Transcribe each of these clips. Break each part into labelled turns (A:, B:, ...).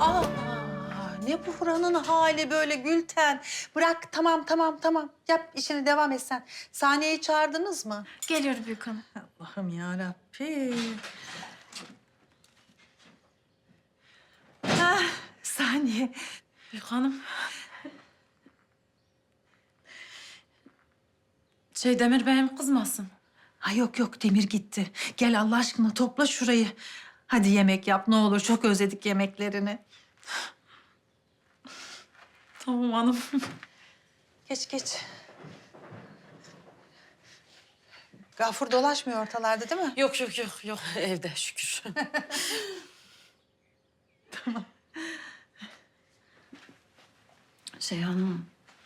A: Aa, ne buranın hali böyle Gülten? Bırak, tamam. Yap işini, devam et sen. Saniye'yi çağırdınız mı?
B: Geliyor Büyük Hanım.
A: Allah'ım yarabbim. Saniye.
B: Büyük Hanım. Demir Bey'im kızmasın.
A: Ha yok, Demir gitti. Gel Allah aşkına topla şurayı. Hadi yemek yap ne olur, çok özledik yemeklerini.
B: Tamam hanım.
A: Geç. Gafur dolaşmıyor ortalarda değil mi?
B: Yok. Evde şükür. Hanım,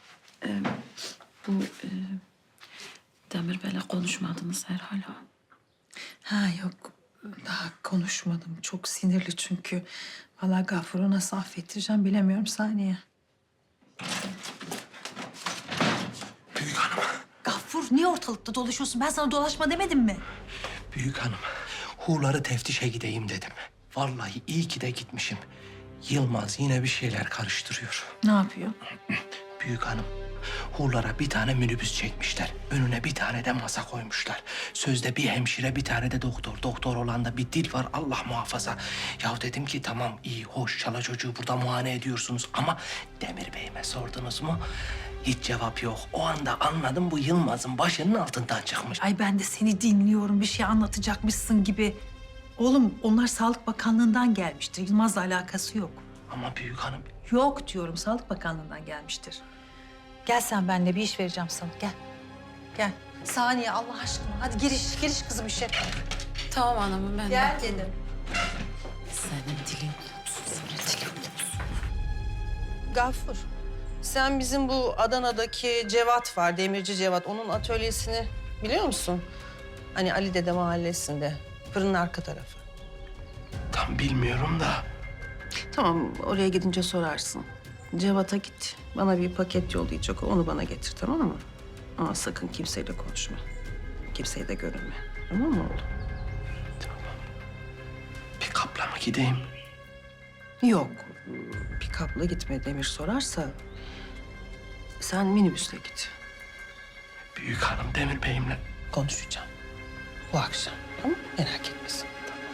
B: bu Demir Bey'le konuşmadınız herhalde.
A: Ha yok, daha konuşmadım. Çok sinirli çünkü. Vallahi Gafur'u nasıl affettireceğim bilemiyorum Saniye.
C: Büyük hanım,
A: Gafur niye ortalıkta dolaşıyorsun? Ben sana dolaşma demedim mi?
C: büyük hanım. Hurları teftişe gideyim dedim. Vallahi iyi ki de gitmişim. Yılmaz yine bir şeyler karıştırıyor.
A: Ne yapıyor?
C: Büyük hanım, hurlara bir tane minibüs çekmişler. Önüne bir tane de masa koymuşlar. Sözde bir hemşire, bir tane de doktor. Doktor olan da bir dil var, Allah muhafaza. Ya dedim ki tamam, iyi, hoş, çala çocuğu burada muayene ediyorsunuz. Ama Demir Bey'ime sordunuz mu? Hiç cevap yok. O anda anladım, bu Yılmaz'ın başının altından çıkmış.
A: Ay ben de seni dinliyorum. Bir şey anlatacakmışsın gibi. Oğlum onlar Sağlık Bakanlığı'ndan gelmiştir. Yılmaz'la alakası yok.
C: Ama büyük hanım,
A: Yok diyorum, Sağlık Bakanlığı'ndan gelmiştir. Gel sen benimle, bir iş vereceğim sana. Gel. Saniye Allah aşkına. Hadi giriş kızım işe.
B: Tamam hanımım ben de.
A: Gel dedim.
B: Senin dilin tutsun, senin dilin tutsun.
D: Gafur, sen bizim bu Adana'daki Cevat var, Demirci Cevat. Onun atölyesini biliyor musun? Hani Ali Dede mahallesinde, fırının arka tarafı.
C: tam bilmiyorum da.
D: Tamam, oraya gidince sorarsın. Cevat'a git, bana bir paket yollayacak. Onu bana getir, tamam mı? Ama sakın kimseyle konuşma. Kimseye de görünme. Tamam mı oğlum?
C: Bir kapla mı gideyim?
D: Yok, pikapla gitme. Demir sorarsa sen minibüsle git.
C: Büyük hanım Demir Bey'imle.
D: Konuşacağım. Bu akşam. Tamam mı? Merak etmesin.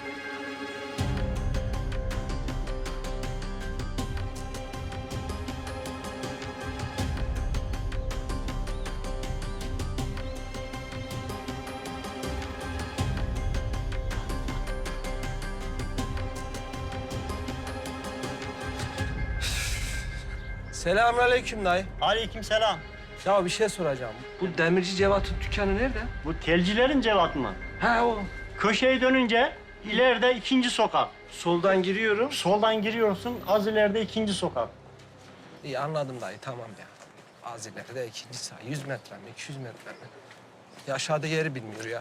C: Selamünaleyküm dayı.
E: Aleykümselam.
C: Ya bir şey soracağım. Bu Demirci Cevat'ın dükkanı nerede?
E: Bu telcilerin Cevat mı?
C: Ha o.
E: Köşeyi dönünce ileride ikinci sokak.
C: Soldan giriyorum.
E: Soldan giriyorsun, az ileride ikinci sokak.
C: İyi anladım dayı, tamam ya. Az ileride ikinci sağ. 100 metre mi, 200 metre mi? Ya aşağıda yeri bilmiyor ya.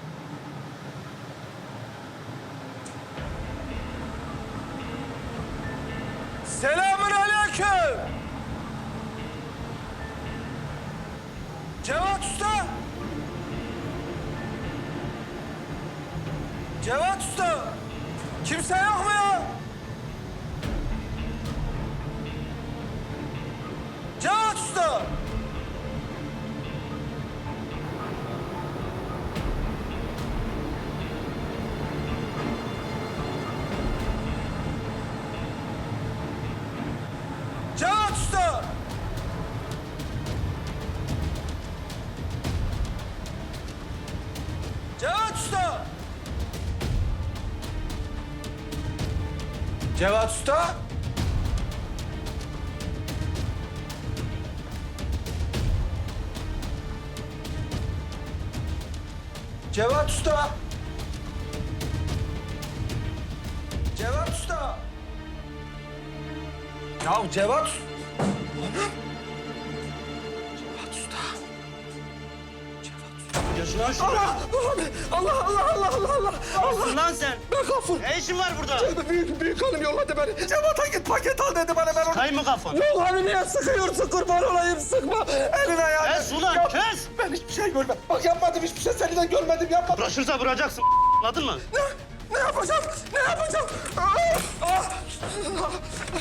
C: Selamünaleyküm. Cevat Usta. Cevat Usta. Kimse yok mu ya? Cevat Usta. Cevat Usta. Cevat Usta. Cevat Usta. Cevat Usta. Cevat Usta. Ya Cevat. Cevat Usta.
E: Gözünü aç.
C: Allah.
E: Nasılsın lan sen?
C: Ben Gafur.
E: Ne işin var burada?
C: Büyük hanım yolladı beni. Cevat'a git paket al dedi bana, ben onu...
E: Kay mı kafan?
C: Yok hani niye sıkıyorsun, kurban olayım, sıkma. Elini ayağını.
E: Kes ulan,
C: Ya,
E: kes!
C: Ben hiçbir şey görmedim. Bak yapmadım, hiçbir şey seni de görmedim, yapmadım.
E: Uğraşırsa vuracaksın, anladın mı?
C: Ne yapacağım? Ne yapacağım?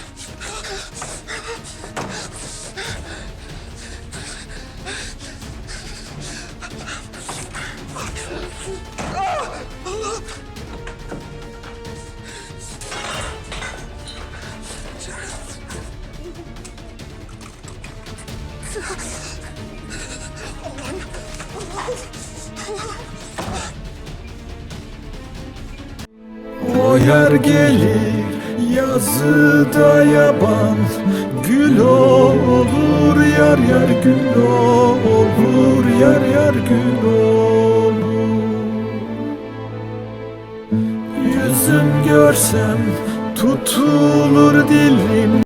F: O yer gelir yazıda yaban, gül olur yar yar gül olur yar yar gül olur. Yüzüm görsem tutulur dilim.